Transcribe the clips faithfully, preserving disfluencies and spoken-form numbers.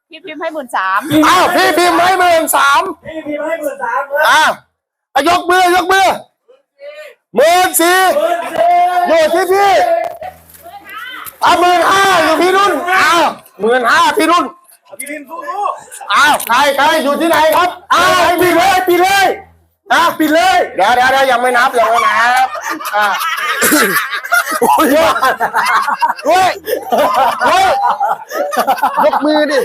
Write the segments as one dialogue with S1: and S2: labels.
S1: พี่พิมพ์ให้หมื่นสาม
S2: อ้าวพี่พิมพ์ให้หมื่นสามพี่พิมพ์ให้หมื่นสามอ้าวยกมือยกมือหมื่นสี่อยู่ที่พี่อ่ะหมื่นห้าอยู่พี่รุ่นอ้าวหมื่นห้าพี่รุ่นพี่พิมพ์สู้อ้าวใครใครอยู่ที่ไหนครับอ้าวปิดเลยปิดเลยนะปิดเลยเดี๋ยวเดี๋ยวเดี๋ยวยังไม่นับยังไม่นับอ่าโอ้ยเฮ้ยเฮ้ยยกมือดิ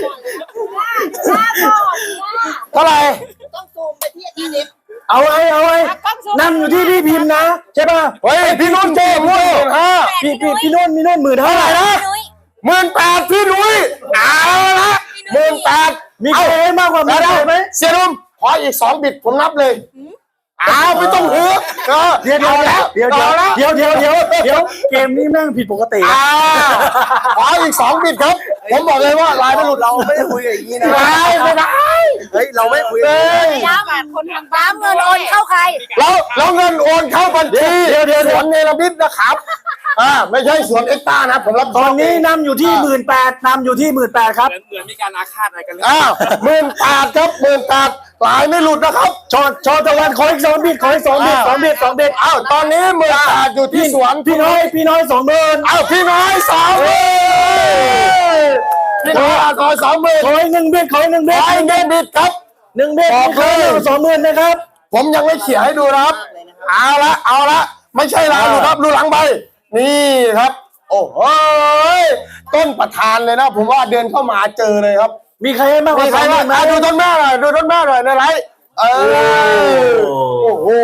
S2: เท่าไหร่
S1: ต้องซูมไปที่อีลิฟ
S2: เอาไว้เอาไว้นั่งอยู่ที่พี่พิมพ์นะใช่ป่ะเฮ้ยพี่นุ่นเจ๊หมื่นห้าพี่พี่พี่นุ่นพี่นุ่นหมื่นเท่าไหร่นะหมื่นแปดพี่นุ้ยเอาละหมื่นแปดมีใครให้มากกว่านี้ได้ไหมเสียนุ่มขออีกสองบิดผมนับเลยอ้าวไม่ต้องหือเดี๋ยวเดี๋ยวแล้วเดี๋ยวเดี๋ยวเดี๋ยวเดี๋ยวเดี๋ยวเกมนี้แม่งผิดปกติอ่าขออีกสองบิดครับผมบอกเลยว่าลายไม่หลุดเราไม่ได้คุยอย่างนี้นะไม่ได้เฮ้ยเราไม่คุยเลย
S1: ย้ำคนทางบ้านเงินโอนเข้าใคร
S2: แล้วแล้วเงินโอนเข้าบัญชีเดี๋ยวเดี๋ยวสวนเนรมิตนะครับอ่าไม่ใช่สวนเอ็กซ์ต้านะผมรับตอนนี้นำอยู่ที่หมื่นแปดนำอยู่ที่หมื่นแปดครับ
S3: เหมือนมีการอาฆาตอะไรกันเลย
S2: อ้าวหมื่นแปดครับหมื่นแปดลายไม่หลุดนะครับชอชอตะวันขออีกสองบิดขออีกสองบิดสองบิดสองบิดอ้าวตอนนี้หมื่นแปดอยู่ที่สวนพี่น้อยพี่น้อยสองหมื่นอ้าวพี่น้อยสองหมื่นพี่น้อยขอสองหมื่นขออีกหนึ่งบิดขออีกหนึ่งบิดขออีกหนึ่งบิดครับหนึ่งบิดขอสองหมื่นนะครับผมยังไม่เขียนให้ดูนะครับเอาละเอาละไม่ใช่ลายหลุดครับดูหลังใบนี่ครับโอ้โหต้นประธานเลยนะผมว่าเดินเข้ามาเจอเลยครับมีใครให้มากกว่าใครบ้างนะดูต้นแม่หน่อยดูต้นแม่หน่อยในไลฟ์เออโอ้โห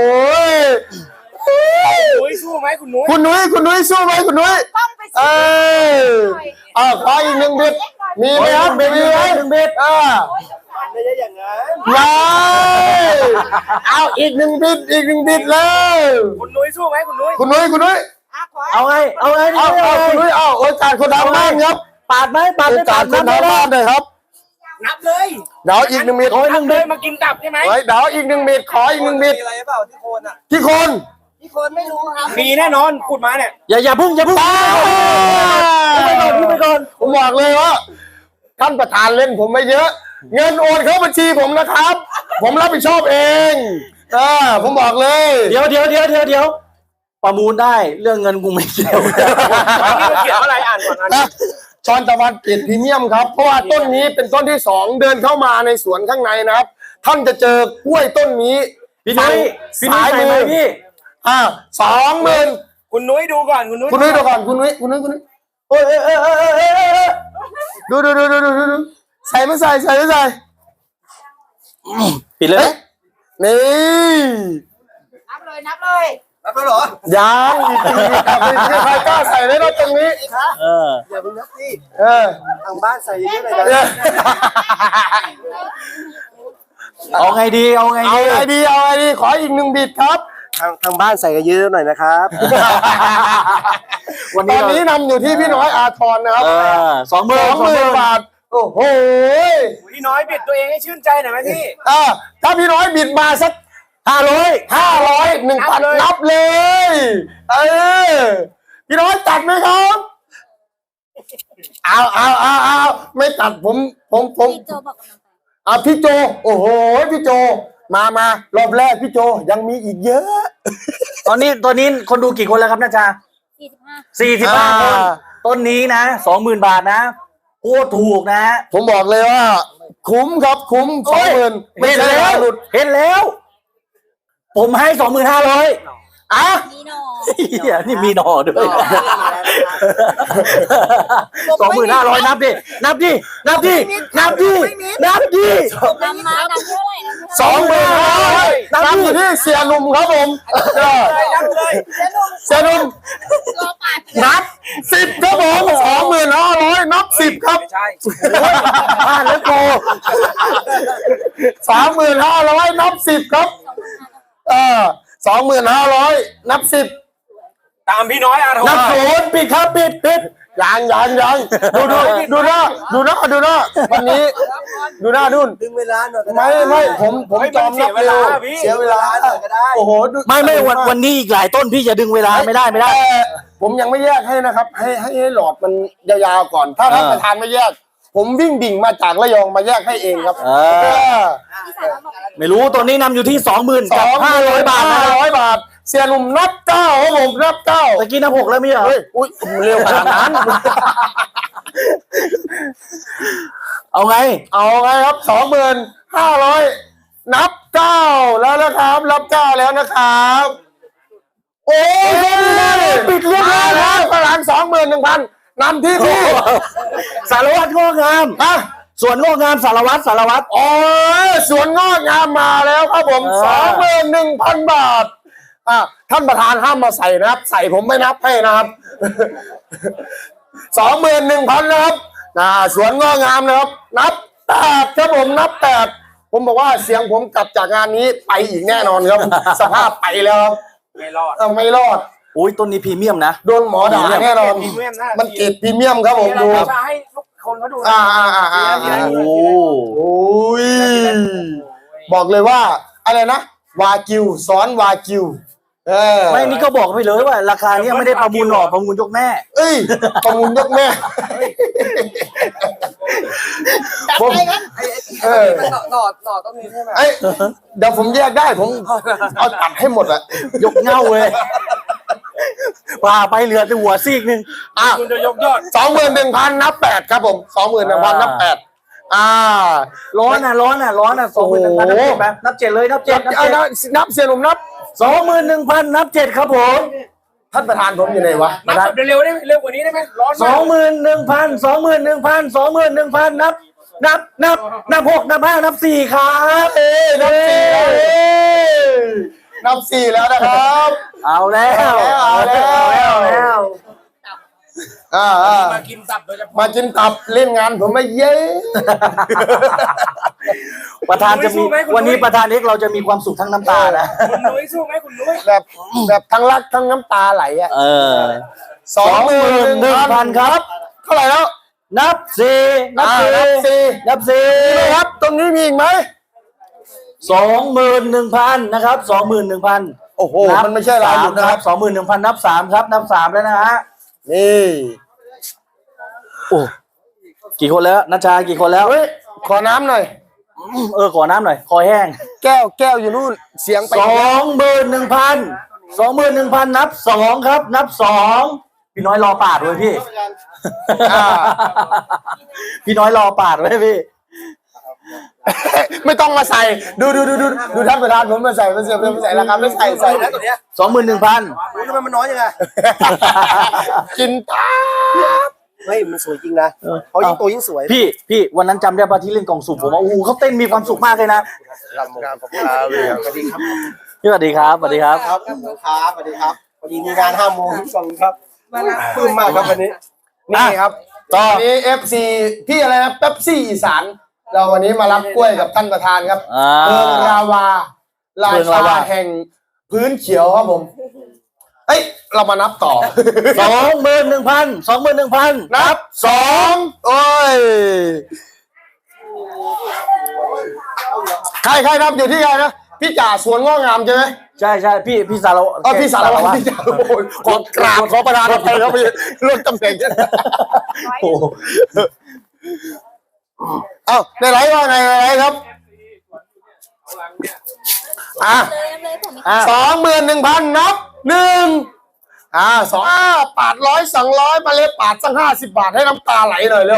S3: นุ้ยสู้ไหมคุณนุ้ย
S2: คุณนุ้ยคุณนุ้ยสู้ไหมคุณนุ้ยเออเออขออีกหนึ่งบิดมีไหมครับมีไหมหนึ่งบิดอ่าไม่ใช่อย่างนั้นไม่เอาอีกหนึ่งบิดอีกหนึ่งบิดเลย
S3: คุณนุ้ยสู้ไหมคุณนุ้ย
S2: คุณนุ้ยคุณนุ้ยเอาไงเอาไงเอาคุณนุ้ยเอาโอกาสคนทำบ้านครับปาดไหมปาดโอกาสคนทำบ้านเลยครับ
S3: นับเลย
S2: เดี๋ยวอีกหนึ่งเม็ด
S3: โอ้ยหนึ่งเม็ดมากินตับใช่ไหม
S2: เฮ้ยเดี๋ยวอีกหนึ่งเม็ดขออีกหนึ่งเม็ด
S3: มีอะไรเปล่าที่โคนอ่ะ
S2: ที่โคน
S1: ที่โคนไม่รู้ครับ
S3: มีแน่นอนพูดมาเนี่ย
S2: อย่าอย่าพึ่งอย่าพึ่งไปก่อนไปก่อนผมบอกเลยว่าท่านประธานเล่นผมไม่เยอะเงินโอนเข้าบัญชีผมนะครับ ผมรับผิดชอบเองอ่าผมบอกเลย
S4: เดี๋ยวเดี๋ยวเดี๋ยวเดี๋ยวเดี๋ยวประมูลได้เรื่องเงินกูไม่เกี่ยว
S3: ตอนนี้เราเขียนอะไรอ่านก่อนนะ
S2: ชอนตะวันเกตพรีเมียมครับเพราะว่าต้นนี้เป็นต้นที่สองเดินเข้ามาในสวนข้างในนะครับท่านจะเจอกล้วยต้นนี้
S4: พี่นุ้ยพี่นุ้ยใส่ไหมพี่
S2: อ่าสองหมื่น
S3: คุณนุ้ยดูก่อนคุณนุ้ย
S2: คุณนุ้ยดูก่อนคุณนุ้ยคุณนุ้ยคุณนุ้ยโอ้ยเออเออเออเออดูดูดูดูดูดูใส่ไม่ใส่ใส่ไม่ใส่
S4: ปิดเลย
S2: นี่
S1: นับเลยนับเลย
S3: นับแล้วเหรอ
S2: ยังอีกทีกับใครกล้าใส่ได้รถตรงนี้
S4: เออ
S3: อย่าเพิ่งนับสิ
S2: เออ
S3: ทางบ้านใส่เยอะเลยนะ
S4: เอาไงดีเอาไงดี
S2: เอาไงดีเอาไงดีขออีกหนึ่งบิดครับ
S3: ทางทางบ้านใส่กันเยอะหน่อยนะครับ
S2: วันนี้ตอนนี้นำอยู่ที่พี่น้อยอาทรนะครับ
S4: สองหมื่น
S2: สองหมื่นบาทโอ้โห
S3: พี่น้อยบิดตัวเองให้ชื่นใจหน่อยไหมพี่
S2: อ่าถ้าพี่น้อยบิดมาสักห้าร้อยห้าร้อยหนึ่งพันนับเลยเออพี่น้อยตัดไหมครับเอาเอาเอาเอาไม่ตัดผมผมผม
S1: พี่โจบอกกัน
S2: อ่ะพี่โจโอ้โหพี่โจมามารอบแรกพี่โจยังมีอีกเยอะ
S4: ตอนนี้ตอนนี้คนดูกี่คนแล้วครับน้าจ๊ะ
S1: สี่สิบห้า
S4: สี่สิบห้าคนต้นนี้นะสองหมื่นบาทนะโคตรถูกนะ
S2: ผมบอกเลยว่าคุ้มครับคุ้มสองหมื่น
S4: เห็นแล้วเห็นแล้วผมให้สองหมื่นห้าร้อยอ่ะ
S1: มีหน่อ
S4: นี่มีหน่อด้วยสองหมื่นห้าร้อยนับดินับดินับดินับดินับดิ
S1: นำมานับเท่าไหร่
S2: สองหมื่นห้าร้อยนับอยู่ที่เสียหนุ่มครับผมเสียหนุ่มนับสิบครับผมสองหมื่นห้าร้อยนับสิบครับ
S3: ใช่
S2: พลาดแล้วโกสามหมื่นห้าร้อยนับสิบครับเออสองหมื่นห้าร้อยนับสิบ
S3: ตามพี่น้อยอาทร
S2: นับศูนย์ปิดครับปิดปิดยังยังยังดูดูดูหน้าดูหน้าดูหน้าวันนี้ดูหน้าดุน
S3: ดึงเวลาหน่อย
S2: ไม่ไม่ผมผมจอมนับเวลาเสียเวลาหน่อยก็ได้โอ้โห
S4: ไม่ไม่วันวันนี้อีกหลายต้นพี่จะดึงเวลาไม่ได้ไม่ได้
S2: ผมยังไม่แยกให้นะครับให้ให้ให้หลอดมันยาวๆก่อนถ้าท่านประธานไม่แยกผมวิ่งดิ่งมาจากระยองมาแยกให้เองครับ
S4: เออ ไม่รู้ตัวนี้นำอยู่ที่สองหมื่น
S2: ส
S4: กับ
S2: อง
S4: ห้าร้อยบาทนะ
S2: ห้าร้อยบาท เสียหนุ่มนับเก้าครับผมนับเก้า
S4: ตะกี้นับหกแล้วมีเหรอ
S2: เฮ้ยอุ้ยเร็วขนาดนั้น
S4: เอาไง
S2: เอาไงครับสองหมื่นห้าร้อยนับเก้าแล้วนะครับนับเก้าแล้วนะครับ โอ้ยปิดเรียบร้อยแล้วพลังสองหมื่นหนึ่งพันนำที่พี่
S4: สารวัตรงอกงาม
S2: อ่ะ
S4: ส่วนงอกงามสารวัตรสารวัตร
S2: โอ้ยสวนงอกงามมาแล้วครับผม
S4: เออ
S2: สองหมื่นหนึ่งพันบาทอ่ะท่านประธานห้ามมาใส่นะครับ ใส่ผมไม่นับให้นะครับสองหมื่นหนึ่งพันนะครับนะสวนงอกงามนะครับ นับแปดครับผมนับแปดผมบอกว่าเสียงผมกลับจากงานนี้ไปอีกแน่นอนครับ สภาพไปแล้วครับ
S3: ไม่รอด
S2: เอาไม่รอด
S4: อุ้ยต้นนี้พรีเมียมนะ
S2: โดนหมอด่าแน่นอน
S3: พรีเมียมนะ
S2: มันเกรดพรีเมียมครับผมดู
S3: เราจะให้ทุกคนเขาดูนะ
S2: อ่าอ่าอ่าอ่า
S4: โอ้
S2: โอ้ยบอกเลยว่า อะไรนะ วากิวซ้อนวากิวเออ
S4: ไม่นี่ก็บอกไปเลยว่า ราคาเนี้ยไม่ได้ประมูลหรอกประมูลยกแม่
S2: เอ้ยประมูลยกแม่ผมเออ
S3: ต่อต่อต่อต้องมีใช่ไหม
S2: ไอ้ยเดี๋ยวผมแยกได้ผมเอาตัดให้หมดอะ
S4: ยกเง่าเลยพาไปเหลือแต่หัวซีกหนึ่ง
S2: อ่ะ
S3: คุณจะยกยอด
S2: สองหมื่นหนึ่งพันนับแปดครับผมสองหมื่นหนึ่งพันนับแปดอ่า
S4: ร้อนอ่ะร้อนอ่ะร้อนอ่ะสองหมื่นหนึ่งพันนับเจ็ดไหมนับเจ็ดเลยนับเจ็ดนับ
S2: เอา
S4: เจ็ด
S2: นับนับเสียหนุ่มนับ
S4: สองหมื่นหนึ่งพันนับเจ็ดครับผม
S2: ท่านประธานผมอยู่ไหนวะ
S3: นับแบบเร็วๆได้ไหมเร็วกว่านี้ได้ไหมร้อน
S4: ส
S3: มา
S4: อก งหมื่นหนึ่งพันสองหมื่นหนึ่งพันสองหมื่นหนึ่งพันนับ นับนับนับหกนับห้านับสี่ครับ
S2: เอ้ยนับสี่แล้วเอ้ยนับสี่แล้วนะครับ
S4: เอาแล้ว
S2: เอาแล้ว
S4: เอาแล้ว
S2: อ่าอ่า
S3: มากินตับโดยเฉพาะ
S2: มากินตับเล่นงานผมไม่เย้
S4: ประธานจะมีวันนี้ประธานเอกเราจะมีความสุขทั้งน้ำตานะ
S3: คุณนุ้ยสู้ไหมคุณนุ้ย
S2: แบบแบบทั้งรักทั้งน้ำตาไหลอ่ะ
S4: เออ
S2: สองหมื่นหนึ่งพันครับเท่าไหร่แล้ว
S4: นับสี่นับ
S2: อ่า
S4: สี่
S2: นับสี่
S4: นับสี่
S2: มีไหมครับตรงนี้มีอีกไหม
S4: สองหมื่นหนึ่งพันนะครับสองหมื่นหนึ่งพัน
S2: โอ้โหมันไม่ใช่ลายหลุดนะครับ
S4: สองหมื่นหนึ่งพันนับสามครับนับสามแล้วนะฮะ
S2: นี่
S4: โอ้กี่คนแล้วนัชชากี่คนแล้ว
S2: เฮ้ยขอน้ำหน่อย
S4: เออขอน้ำหน่อยคอแห้ง
S2: แก้วแก้วอยู่นู่นเสียงไป
S4: สองหมื่นหนึ่งพันสองหมื่นหนึ่งพันนับสองครับ นับสองพี่น้อยรอปาดไว้พี่
S2: อ่า
S4: พี่น้อยรอปาดไว้พี่
S2: ไม่ต้องมาใส่ดูดูดูดูดูท่านประธานผมมาใส่มาใส่มาใส่ราคาไม่ใส่ใส่
S3: แล้วตัวเนี้ย
S4: สองหมื่นหนึ่งพัน
S3: โอ้ยทำไมมันน้อยยังไง
S2: กินตา
S3: เฮ้ยมันสวยจริงนะเขายิ่งโตยิ่งสวย
S4: พี่พี่วันนั้นจำได้ป่ะที่เล่นกล่องสุ่มผมว่าโอ้โหเขาเต้นมีความสุขมากเลยนะ
S3: ครับครับครับสวัสดีครับ
S4: พี่สวัสดีครับสวัสดีครับ
S3: ครับครับสวัสดีครับพอดีมีงานห้าโมงสองครับปลื้มมากครับวันนี้
S2: นี่ครับตอนนี้ เอฟ ซี พี่อะไรนะเป๊ปซี่อีสานเราวันนี้มารับกล้วยกับท่านประธานครับ
S4: อ่า
S2: เมืองราวารา
S4: เมืองรา
S2: ชาว
S4: า
S2: แห่งพื้นเขียวครับผมเอ้ยเรามานับต่อ
S4: สองหมื่นหนึ่งพันสองหมื่นหนึ่งพัน
S2: นับสองโอ้ยใครใครนับอยู่ที่ใครนะพี่จ่าสวนง้องามใช่ไหม
S4: ใช่ใช่พี่พี่สารวัตร
S2: เออพี่สารวัตรพี่จ่าโอ้โหขอกราบขอประธานอภัยครับพี่เรื่องตำแหน่ง
S4: โอ้โห
S2: เอ้าในไรว่าไงในไรครับอ่ะ
S1: เลยเลยผม
S4: อ่ะ
S2: สองหมื่นหนึ่งพันนับหนึ่งอ่าสองอ่าปาดร้อยสองร้อยมาเลยปาดสักห้าสิบบาทให้น้ำตาไหลหน่อยเร็ว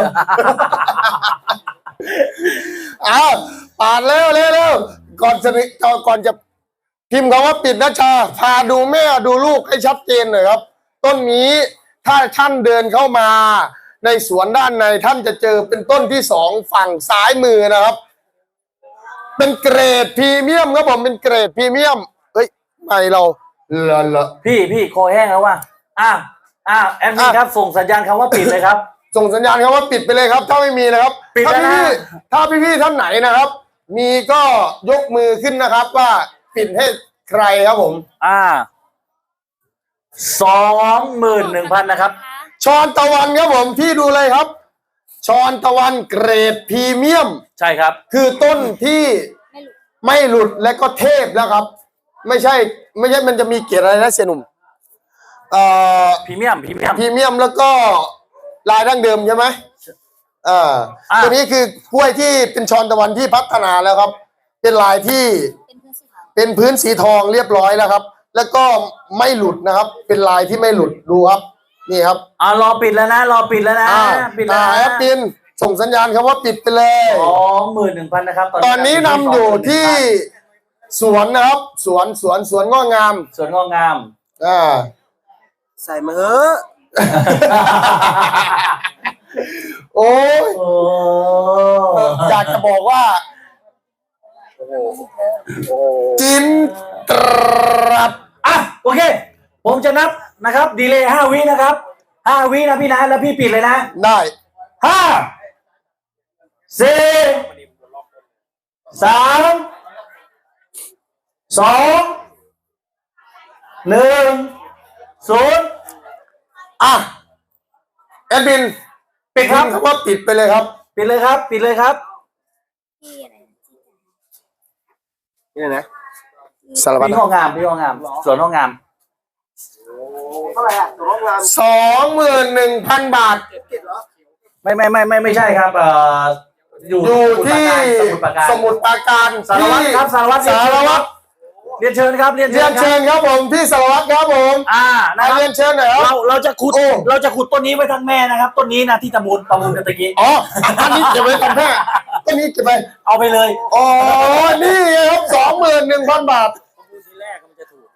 S2: อ้าวปาดเร็วเร็วเร็วก่อนจะก่อนก่อนจะพิมพ์คำว่าปิดนะชาพาดูแม่ดูลูกให้ชัดเจนหน่อยครับ ต้นนี้ถ้าท่านเดินเข้ามาในสวนด้านในท่านจะเจอเป็นต้นที่สองฝั่งซ้ายมือนะครับ เป็นเกรดพรีเมียมครับผมเป็นเกรดพรีเมียมเฮ้ยไม่เราเลอะเลอะ
S4: พี่พี่คอแห้งแล้วว่ะอ่ะอ่ะแอดมินครับส่งสัญญาณคำว่าปิดเลยครับ
S2: ส่งสัญญาณครับว่าปิดไปเลยครับ ถ้าไม่มีนะครับ
S4: ปิด
S2: ถ้า
S4: แล้วนะ
S2: พี่ๆถ้าพี่ๆท่านไหนนะครับ มีก็ยกมือขึ้นนะครับว่าปิดให้ใครครับผม
S4: อ่าสองหมื่นหนึ่งพันนะครับ
S2: ชอนตะวันครับผมพี่ดูเลยครับชอนตะวันเกรดพรีเมียม
S4: ใช่ครับ
S2: คือต้นที่ไม่หลุดและก็เทพแล้วครับ ไม่ใช่ไม่ใช่มันจะมีเกียรติอะไรนะเสียหนุ่มเอ่อ
S4: พรีเมียมพรีเมียม
S2: พรีเมียมแล้วก็ลายดั้งเดิมใช่ไหมอ่าตัวนี้คือกล้วยที่เป็นชอนตะวันที่พัฒนาแล้วครับ เป็นลายที่
S1: เป็นพื้นสีขาว
S2: เป็นพื้นสีทองเรียบร้อยแล้วครับ แล้วก็ไม่หลุดนะครับ เป็นลายที่ไม่หลุดดูครับ นี่ครับ
S4: อ่ารอปิดแล้วนะรอปิดแล้วนะ
S2: อ่า
S4: ปิดแล้ว
S2: อ่าแอปปินส่งสัญญาณครับว่าปิดไปเลย
S4: สองหมื่นหนึ่งพันนะครับ
S2: ตอนนี้นำอยู่ที่สวนนะครับ สวนสวนสวนง้องาม
S4: สวนงอกงาม
S2: อ่า
S3: ใส่มาเฮ้อะ
S2: โอ้ย
S4: โอ้
S2: อยากจะบอกว่า
S3: โอ้โหโอ้
S2: จินตรับ
S4: อ่ะโอเค ผมจะนับนะครับ ดีเลย์ห้าวินะครับห้าวินะพี่นะแล้วพี่ปิดเลยนะ
S2: ได้
S4: ห้าสี่สามสองหนึ่งศูนย์
S2: อ่ะแอดมิน
S4: ปิดครับ
S2: พิมพ์คำว่าปิดไปเลยครับ
S4: ปิดเลยครับ ปิดเลยครับ
S1: ที่อะไรนะที่
S3: นี่นะ
S2: สารวัตร
S4: พี่ห้องงามพี่ห้องงามสวนห้องงาม
S3: เท่าไหร่อ่ะตัวร้องงาน
S2: สองหมื่นหนึ่งพันบาท
S3: เก็บเหรอ
S4: ไม่ไม่ไม่ไม่ไม่ใช่ครับเอ่ออยู่
S2: อยู่ที่
S4: สมุทรปราการ
S2: สมุทรปราการ
S4: สารวัตรครับสารวัตร
S2: สารวัตร
S4: เรียนเชิญครับเรียน
S2: เรี
S4: เชิ
S2: ย
S4: ญ
S2: น
S4: ค
S2: เชิ
S4: รับ
S2: ญครับผมพี่สารวัตรครับผม
S4: อ่านะ
S2: มา
S4: ครับ
S2: เรียนเชิญหน่อยครับ
S4: เราเราจะขุด
S2: โอ้
S4: เราจะขุดต้นนี้ไว้ทั้งแม่นะครับ ต้นนี้นะที่ตะมูลประมูลกันตะกี้
S2: อ๋ออันนี้เก็บไว้กันแค่อันนี้เก็บไป
S4: เอาไปเลย
S2: อ๋อนี่ไงครับสองหมื่นหนึ่งพันบาท
S5: ทีแรกมันจะถูก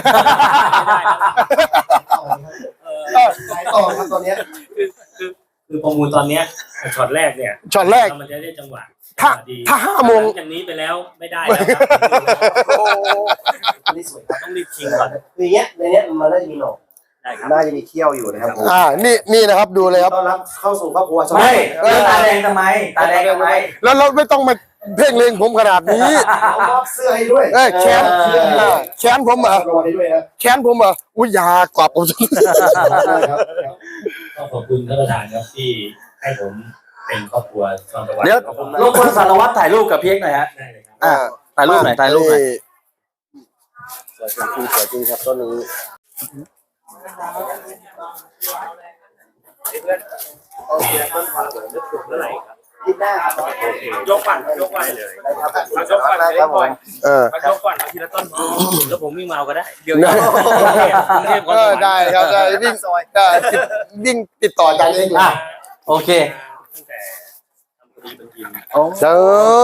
S3: ขายต่อครับตอนเนี้ย
S5: คือคือคือประมูลตอนเนี้ยช็อตแรกเนี่ย
S2: ช็อตแรก
S5: มันจะได้จังหวะ
S2: ถ้า
S5: ดี
S2: ถ้าห้าโมง
S5: หลัจากนี้ไปแล้วไม่ได้แล้วครับ
S3: อันนี้สวยครับ
S5: ต้องรีบชิงก่อน
S3: คืออย่างเงี้ยในเนี้ยมันน่าจะมีหนอก
S5: ได้ครับ
S3: น่าจะมีเขี้ยวอยู่นะครับผม
S2: อ่านี่นี่นะครับดูเลยครับ
S3: ต้อนรับเข้าสู่ครอบครัว
S4: ไม่แล้วตาแดงทำไมตาแดงทำไม
S2: แล้วเราไม่ต้องมาเพ่งเลงผมขนาดนี้
S3: เอามอบเสื้อให้ด้วย
S2: เอ้ยแขน
S4: เออ
S2: เออแขนผมเหรอ
S3: รอให้ด้วยนะ
S2: แขนผมเหรออุ้ยยากว่าผม
S3: ครับ
S5: ก็ขอบคุณท่านประธานครับที่ให้ผมเป็นครอบครัวชอนตะวัน
S2: เดี๋ยว
S5: ขอบคุณมาก
S4: รบกวนสารวัตรถ่ายรูปกับเพียกหน่อยฮะ
S5: ได้เลยครับ
S2: อ่า
S4: ถ่ายรูปหน่อยถ่ายรูปหน่อย
S3: สวยจริงสวยจริงครับต้นนี้ ยิบหน้าครับ
S5: ยกก่อนยกก่อนเลย
S3: ครับ
S5: เอายกก่อนเลย
S3: ครับผม
S2: เออ
S5: เอายกก่อนเอาทีละต้นพอแล้วผมวิ่งมาเอาก็ได้เดี๋ยว
S2: ได้
S5: กรุงเทพ
S2: เออได้ครับได้วิ่งได้วิ่งติดต่อกันเอง
S4: อ่ะโอเค
S5: ตั้งแต่ทำคดีเป็นทีม
S2: เจ้า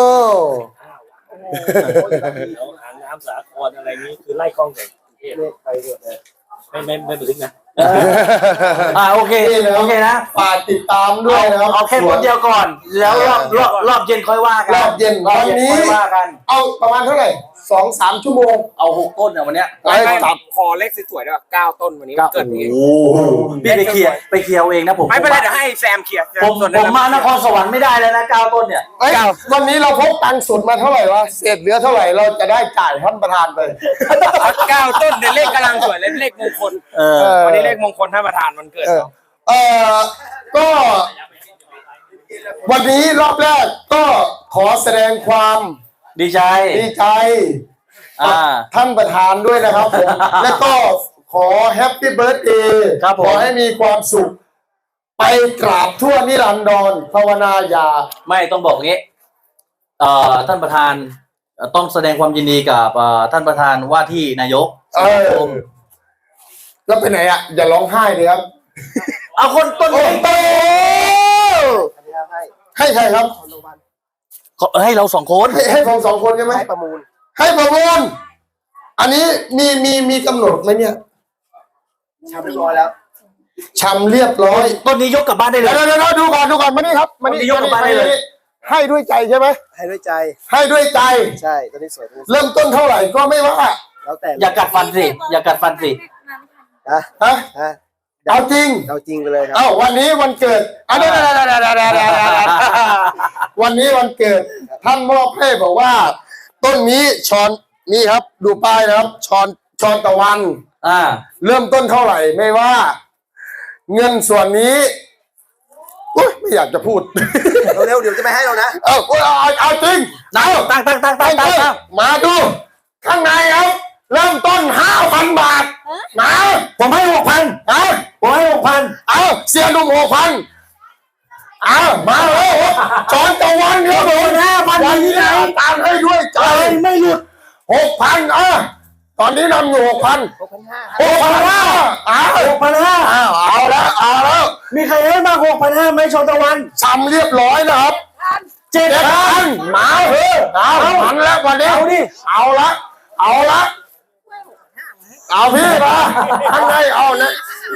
S5: แล้วหางน้ำสาครอะไรนี้คือไล่กล้องแต่กรุงเทพ
S3: ไปเถอะ
S5: ไม่ไม่ไม่บันทึกนะ
S4: อ่าโอเคโอเคนะ
S2: ฝากติดตามด้วยนะครับ
S4: เอาแค่ต้นเดียวก่อน แล้วรอบรอบรอบเย็นค่อยว่ากัน
S2: รอบเย็น
S4: รอบ
S2: วัน
S4: เย็น
S2: นี้
S4: ค่อยว่ากัน
S2: เอาประมาณเท่าไหร่สองสามชั่วโมง
S4: เอาหกต้นเนี่ยวันเนี้ย
S2: ไว้จับ
S6: คอเลขสวยๆด้วยเก้าต้นวันนี้
S4: เก้า
S6: เกิดนี้
S4: โอ้โหพี่ไปเคลียร์ไปเคลียร์เอาเองนะผม
S6: ไม่เป็นไรเดี๋ยวให้แซมเคลียร์
S4: ผม
S6: ส่วน
S4: ผมมานครสวรรค์ไม่ได้แล้วนะเก้าต้นเนี่ย
S2: เอ้ยวันนี้เราพกตังค์สดมาเท่าไหร่วะเศษเหลือเท่าไหร่เราจะได้จ่ายท่านประธานไป
S6: เก้าต้นเดี๋ยวเลขกำลังสวยเลยเลขมงคล
S4: เออ
S2: เออ
S6: วันนี้เลขมงคลท่านประธานวันเกิด
S2: เออ
S6: เนาะ
S2: เออก็ วันนี้รอบแรกก็ขอแสดงความ
S4: ดีใจ
S2: ดีใจ
S4: อ่า
S2: ท่านประธานด้วยนะครับผม และก็ขอแฮปปี้เบิร์ดเดย์
S4: ครับผม
S2: ขอให้มีความสุข ไปกราบทั่วนิรันดรภาวนาอย่า
S4: ไม่ต้องบอกงี้เอ่อท่านประธานเอ่อต้องแสดงความยินดีกับเอ่อท่านประธานว่าที่นายก
S2: เออ แล้วไปไหนอ่ะ อย่าร้องไห้เลยครับ
S4: เอาคนต้น
S2: โอ้
S4: นี้
S2: โต
S3: อันนี้ให้
S2: ให้ใครครับ
S3: คอนโดบัน
S4: เขาให้เราสองคน
S2: ให้ให้ผมสองคนใช่ไหม
S3: ให้ประมูล
S2: ให้ประมูลอันนี้มีมีมีกำหนดไหมเนี่ย
S3: ทำเรียบร้อยแล้ว
S2: ชำเรียบร้อย
S4: ต้นนี้ยกกลับบ้านได้เล
S2: เดี๋ยวย เดี๋ยวเดี๋ยวดูก่อนดูก่อนมานี่ครับมานี่
S4: เอาที่ยกออกมาได้เลย
S2: ให้ด้วยใจใช่ไหม
S3: ให้ด้วยใจ
S2: ให้ด้วยใจ
S3: ใช่ตัวนี้สวยตัวนี้สวย
S2: เริ่มต้นเท่าไหร่ก็ไม่ว่า
S3: แล้วแต่
S4: อย่ากัดฟันสิอย่ากัดฟันสิ
S3: นะ
S2: ฮะ
S3: ฮะ
S2: เอาจริง
S3: เอาจริงไปเลยครับ
S2: เอ้าวันนี้วันเกิดอ่ะเดี๋ยวเดี๋ยวเดี๋ยวเดี๋ยวเดี๋ยวเดี๋ยวเดี๋ยวเดี๋ยววันนี้วันเกิดท่านมอบให้บอกว่า ต้นนี้ชอนนี่ครับ ดูป้ายนะครับชอนชอนตะวัน
S4: อ่า
S2: เริ่มต้นเท่าไหร่ไม่ว่า เงินส่วนนี้อุ๊ยไม่อยากจะพูด
S3: เร็วๆเดี๋ยวจะไม่ให้เรานะ
S2: เอาเอาเอาเอาจริงเอา
S4: ตั้งตั้งตั้งตั้งตั้งตั้ง
S2: มาดู ข้างในครับ เริ่มต้นห้าพันบาทมา
S4: ผมให้หกพัน
S2: เอา
S4: ผมให้หกพัน
S2: เอาเสียหนุ่มหกพันอ้าวมาแล้วจอนตะวันครับผม
S4: ห้าพัน
S2: วันนี้
S4: ที่ไหน
S2: ตามให้ด้วยใจ
S4: ใจไม่หลุด
S2: หกพันอ่ะตอนนี้นำอยู่หกพัน
S3: หกพันห้า
S2: หกพันห้าอ้าว
S4: หกพันห้า
S2: อ้าวเอาแล้วเอาแล้ว
S4: มีใครให้มากหกพันห้าไหมชนตะวัน
S2: ซ้ำเรียบร้อยนะครับ
S4: เจ็ด
S2: เจ็ด
S4: พั
S2: พั
S4: น
S2: นมาเถอะเอามันแล้ววันนี้
S4: เอาดิ
S2: เอาละเอาละเอาพี่มาข้างในเอาเนี่ย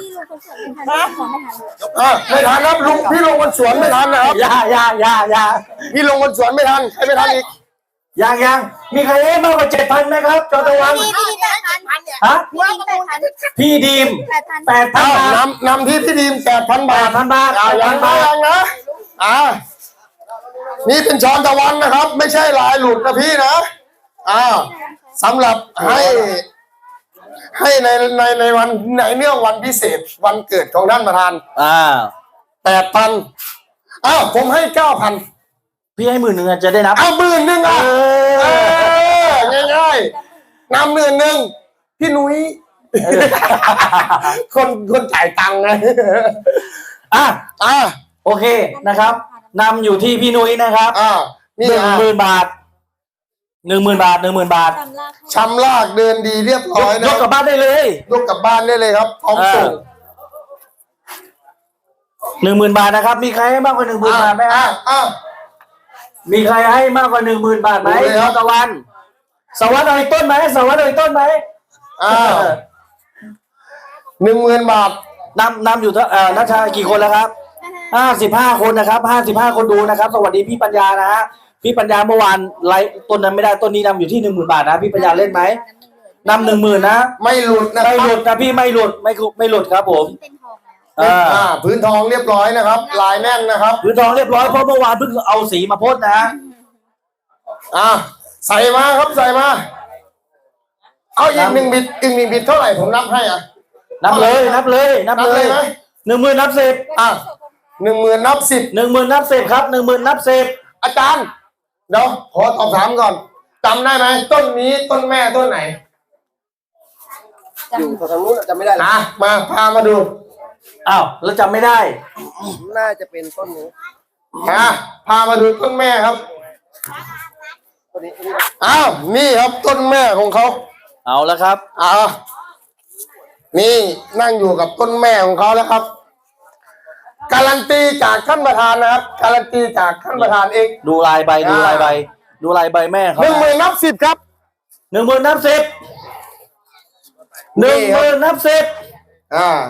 S1: พี่ลงคนสวนไม่ทันขอไม่ทัน
S2: เออไม่ทันครับลุงพี่ลงบนสวนไม่ทันนะครับ
S4: อย่าอย่าอย่าอย่า
S2: พี่ลงบนสวนไม่ทันใครไม่ทันอีก
S4: ยังยังมีใครให้มากกว่าเจ็ดพันไหมครับชนตะวัน
S1: พี่พี่แปดพัน
S4: ฮะ
S1: พี่ดีมแปดพัน
S4: พี่ดีม
S1: แปดพัน
S4: แปดพัน
S2: เอา
S4: บาท
S2: นำนำที่พี่ดีมแปดพันบาท
S4: แปดพันบาท
S2: เอายัง
S4: แปดพันบาท
S2: นะยังนะอ่านี่เป็นช้อนตะวันนะครับ ไม่ใช่ลายหลุดนะพี่นะอ่าสำหรับให้ ให้ในในในวันในเนื่องวันพิเศษวันเกิดของท่านประธาน
S4: อ่า
S2: แปดพันอ้าวผมให้เก้าพัน
S4: พี่ให้หมื่นหนึ่งอะจะได้นับ
S2: เอาหมื่นหนึ่งอ่ะ
S4: เอ
S2: เอ
S4: อ
S2: อง่ายๆนำหมื่นหนึ่งพี่นุ้ยคนคนจ่ายตังค์ไง
S4: อ่ะ
S2: อ่า
S4: โอเคนะครับนำอยู่ที่พี่นุ้ยนะครับ
S2: อ่านี่
S4: หนึ่ง
S2: อ่ะ
S4: หมื่นบาทหนึ่งหมื่นบาทหนึ่งหมื่นบาท
S1: จำลาก
S2: ชำลากเดินดีเรียบ
S4: ย
S2: ร้อย
S4: ก
S2: นะ
S4: ยกกลับบ้านได้เลย
S2: ยกกลับบ้านได้เลยครับพร้อมส่ง
S4: หนึ่งหมื่นบาทนะครับ มีใครให้มากกว่าหนึ่งหมื่นบาทไหม
S2: อ่า
S4: ฮะ
S2: อ่า
S4: มีใครให้มากกว่าหนึ่งหมื่นบาทไหม
S2: ดูเลยครับ
S4: ตะวันสวัสดิ์เอาอีกต้นไหมสวัสดิ์เอาอีกต้นไหม
S2: อ่าหนึ่งหมื่นบาท
S4: นำนำอยู่เท่าเอ่อนัชชากี่คนแล้วครับห้าสิบห้าคนนะครับห้าสิบห้าคนดูนะครับ สวัสดีพี่ปัญญานะฮะพี่ปัญญาเมื่อวานไลฟ์ต้นนั้นไม่ได้ต้นนี้นำอยู่ที่หนึ่งหมื่นบาทนะพี่ปัญญาเล่นไหมนำหนึ่งหมื่นนะ
S2: ไม่หลุดนะค
S4: ไม่
S2: รับ
S4: หลุดนะพี่ไม่หลุดไม่คุไม่หลุดครับผม
S1: เป็นทองแล้ว
S4: อ่า
S2: อ่าพื้นทองเรียบร้อยนะครับ ลายแน่นนะครับ
S4: พื้นทองเรียบร้อยเพราะเมื่อวานเพิ่งเอาสีมาพ่นนะ
S2: อ่าใส่มาครับใส่มา เอาอีกหนึ่งบิดอีกหนึ่งบิดเท่าไหร่ผมนับให้อ่ะ
S4: นับเลยนับเลยนับ
S2: นับ
S4: เล
S2: เลย ยไหม
S4: หนึ่งหมื่นนับสิบ
S2: อ่ะหนึ่งหมื่นนับสิบ
S4: หนึ่งหมื่นนับสิบครับหนึ่งหมื่นนับสิบ
S2: อาจารย์ เดี๋ยวขอตอบถามก่อนจำได้ไหมต้นนี้ต้นแม่ต้นไหน
S3: อยู่ทางนู้นจำไม่ได้แล้ว
S2: อ่ะมาพามาดู
S4: อ้าวแล้วจำไม่ได้
S3: น่าจะเป็นต้นนี้
S2: อ่ะพามาดูต้นแม่ครับ
S3: ต้นนี้อันนี้
S2: อ้าวนี่ครับต้นแม่ของเขา
S4: เอาแล้วครับ
S2: อ่านี่นั่งอยู่กับต้นแม่ของเขาแล้วครับ การันตีจากท่านประธานนะครับ การันตีจากท่านประธานเอง
S4: ดูลายใบดูลายใบดูลายใบแม่เขา
S2: หนึ่งหมื่นนับสิบครับ
S4: หนึ่งหมื่นนับสิบหนึ่งหมื่นนับสิบ
S2: อ่า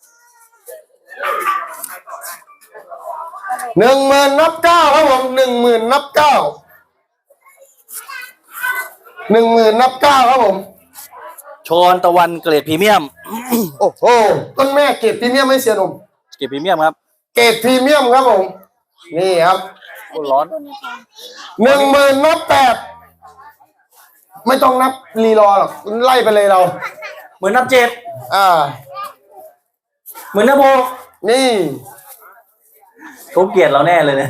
S2: หนึ่งหมื่นนับเก้าครับผมหนึ่งหมื่นนับเก้าหนึ่งหมื่นนับเก้าครับผม
S4: ชอนตะวันเกรดพรีเมียม
S2: โอ้โหต้นแม่เกรดพรีเมียมไม่เสียหนุ่ม
S4: เกรดพรีเมียมครับ
S2: เกรดพรีเมียมครับผม นี่ครับ
S4: ร้อน
S2: หนึ่งหมื่นนับแปดไม่ต้องนับรีรอหรอกไล่ไปเลยเรา
S4: เหมือนนับเจ็ด
S2: อ่า
S4: เหมือนนับหก
S2: นี่
S4: เขาเกลียดเราแน่เลยเนี่ย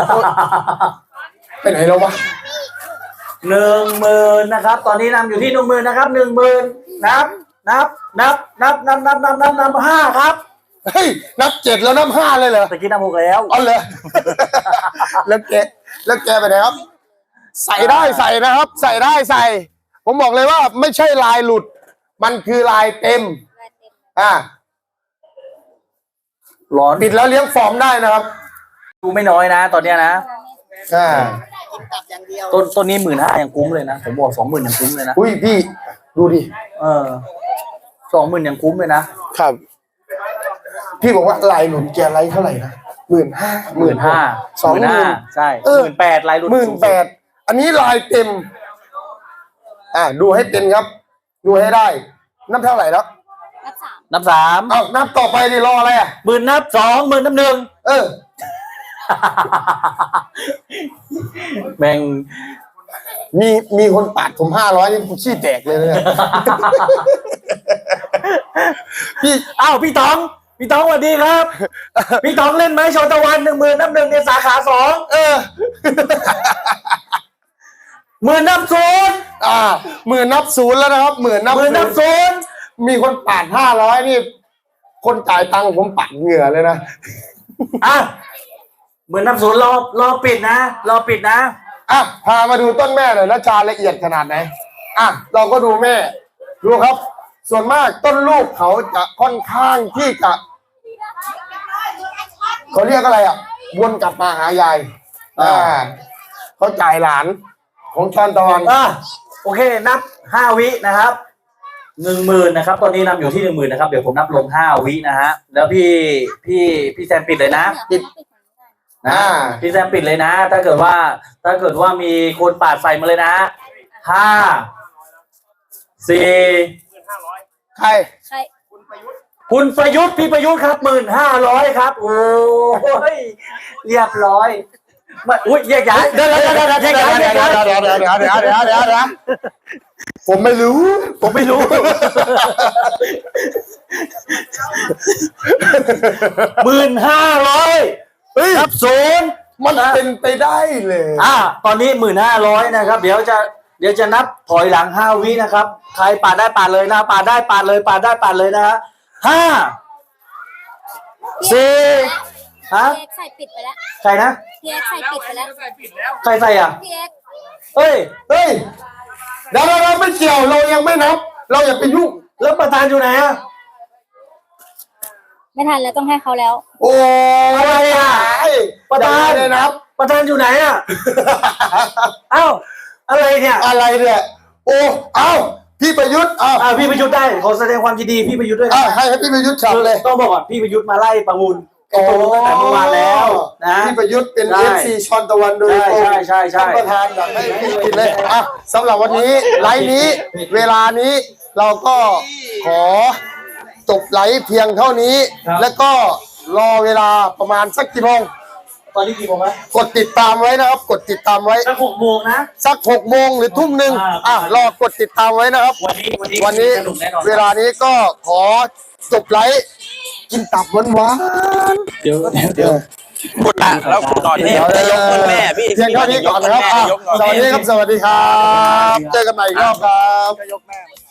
S2: ไปไหนแล้ววะ
S4: หนึ่งหมื่นนะครับ ตอนนี้นำอยู่ที่หนึ่งหมื่นนะครับหนึ่งหมื่นนับ นับ นับ นับ นับ นับ นับ นับ นับห้าครับ
S2: เฮ้ยนับเจ็ดแล้วนับห้าเลยเหรอ
S4: ตะกี้นับหกแล้ว
S2: อ๋อเลย แล้วแกแล้วแกไปไหนครับ ใส่ได้ใส่นะครับ ใส่ได้ใส่ ผมบอกเลยว่าไม่ใช่ลายหลุด มันคือลายเต็ม อ่า
S4: ร้อน
S2: ปิดแล้วเลี้ยงฟอร์มได้นะครับ
S4: ดูไม่น้อยนะ ตอนเนี้ยนะ
S2: อ่า
S3: กลับอย่างเดียว
S4: ต้นต้นนี้หมื่นห้ายังคุ้มเลยนะ ผมบอกสองหมื่นยังคุ้มเลยนะ
S2: อุ้ยพี่ ดูดิ
S4: เออสองหมื่นยังคุ้มเลยนะ
S2: ครับ พี่บอกว่าลายหลุดแกไลท์เท่าไหร่นะหมื่นห้า
S4: หมื่นห้า
S2: สองหมื่น
S4: ใช่
S2: เอ
S4: ห
S2: อ
S4: มื่นแปดลายรุ่น
S2: หมื่นแปดอันนี้ลายเต็ม อ่าดูให้เป็นครับ ดูให้ได้ นับเท่าไหร่แล้ว
S1: นับสาม
S4: นับสาม
S2: เอานับต่อไปดิรออะไรอ่ะ
S4: หมื่นนับสองหมื่นนับหนึ่ง
S2: เออ
S4: แม่ง
S2: มีมีคนปาดผมห้าร้อยนี่ผมขี้แตกเลยเนี่ย พี่
S4: อ้าวพี่ต๋อง พี่ต๋องสวัสดีครับ พี่ต๋องเล่นไหมชนตะวันหนึ่งหมื่นนับหนึ่งในสาขาสอง
S2: เออ
S4: หมื่นนับศูนย์
S2: อ่าหมื่นนับศูนย์แล้วนะครับหมื่นนับ
S4: หมื่นนับ
S2: ศูนย์
S4: ศูนย์
S2: มีคนปาดห้าร้อยนี่ คนจ่ายตังค์ผมปัดเหงื่อเลยนะ
S4: อ่ะหมื่นนับศูนย์รอรอปิดนะรอปิดนะ
S2: อ่ะพามาดูต้นแม่หน่อยนะชาละเอียดขนาดไหนอ่ะเราก็ดูแม่ดูครับ ส่วนมากต้นลูกเขาจะค่อนข้างที่จะเขาเรียกอะไรอ่ะวนกลับมาหายายอ่าเขาจ่ายหลานของชอนตะวัน
S4: อ่ะโอเคนับห้าวินะครับหนึ่งหมื่นนะครับตอนนี้นำอยู่ที่หนึ่งหมื่นนะครับเดี๋ยวผมนับลงห้าวินะฮะแล้วพี่พี่พี่แซมปิดเลยนะ
S1: ปิด
S4: นะพี่แซมปิดเลยนะ ถ้าเกิดว่า ถ้าเกิดว่ามีคนปาดใส่มาเลยนะห้าสี่
S2: ใคร
S1: ใคร
S4: คุณประยุทธ์พี่ประยุทธ์ครับหมื่นห้าร้อยครับโอ้ยเรียบร้อยมาอุ้ยแยกย้าย
S2: เดี๋ยวเดี๋ยวเดี๋ยวเดี๋ยวเดี๋ยวเดี๋ยวเดี๋ยวเดี๋ยวเดี๋ยวเดี๋ยวเดี๋ยวเดี๋ยวเดี๋ยวเดี๋ยวผมไม่รู้
S4: ผมไม่รู้หมื่นห้าร้อย
S2: เฮ้ย
S4: ครับศูนย์
S2: มันเป็นไปได้เลย
S4: อ่าตอนนี้หมื่นห้าร้อยนะครับ เดี๋ยวจะเดี๋ยวจะนับถอยหลังห้าวินะครับ ใครปาดได้ปาดเลยนะปาดได้ปาดเลยปาดได้ปาดเลยนะฮะห้าสี่ฮะ
S1: พี่เอ็กซ์ใส่ปิดไปแล้ว
S4: ใครนะ
S1: พี่เอ็กซ์ใส่ปิดไปแล้ว
S4: ใครใส่อ่ะ
S1: พี่เอ็กซ์
S4: เอ้ย
S2: เฮ้ยเดี๋ยวเราเราไม่เกี่ยวเรายังไม่นับ เราอย่าไปยุ่ง
S4: แล้วประธานอยู่ไหนอ่ะ
S1: ไม่ทันแล้วต้องให้เขาแล้ว
S2: โอ้
S4: อะไรอ่ะ ประธาน
S2: เลยนับ
S4: ประธานอยู่ไหนอ่ะ เอ้าอะไรเนี่ย
S2: อะไรเนี่ยโอ้เอ้าพี่ประยุทธ์เอ้า
S4: อ่าพี่ประยุทธ์ได้ขอแสดงความยินดีพี่ประยุทธ์ด้วยนะ
S2: เอ้าให้ให้พี่ประยุทธ์ฉับเลย
S4: ต้องบอกก่อนพี่ประยุทธ์มาไล่ประมูลไอ้ตรงนู้นตั้งแต่เมื่อวานแล้วนะ
S2: พี่ประยุทธ์เป็น
S4: ใช่
S2: เอฟซีชอนตะวันโดยตรง
S4: ใช่ใช่ใช่ใช่
S2: ท่านประธานอยากให้พี่กินเลยอ่ะสำหรับวันนี้ไลฟ์นี้ เวลานี้เราก็ขอจบไลฟ์เพียงเท่านี้ แล้วก็รอเวลาประมาณสักกี่โมง
S4: ตอนนี้กี่โมงแล้ว
S2: กดติดตามไว้นะครับ กดติดตามไว้
S4: สักหกโมงนะ
S2: สักหกโมงหรือทุ่มหนึ่ง
S4: อ่า
S2: อ่ะรอกดติดตามไว้นะครับ
S4: วันนี้วันนี้
S2: วันนี้
S4: สนุกแน่นอน
S2: เวลานี้ก็ขอจบไลฟ์กินตับหวาน
S4: เดี๋ยว
S2: ๆเดี๋ยว
S6: คุณละแล้วคุณต่อที่จะยกต้นแม่พี่
S2: เพียงเท่านี้ก่อนนะครับอ่ะสวัสดีครับ สวัสดีครับ เจอกันใหม่อีกรอบครับ
S6: ก็ยกแม่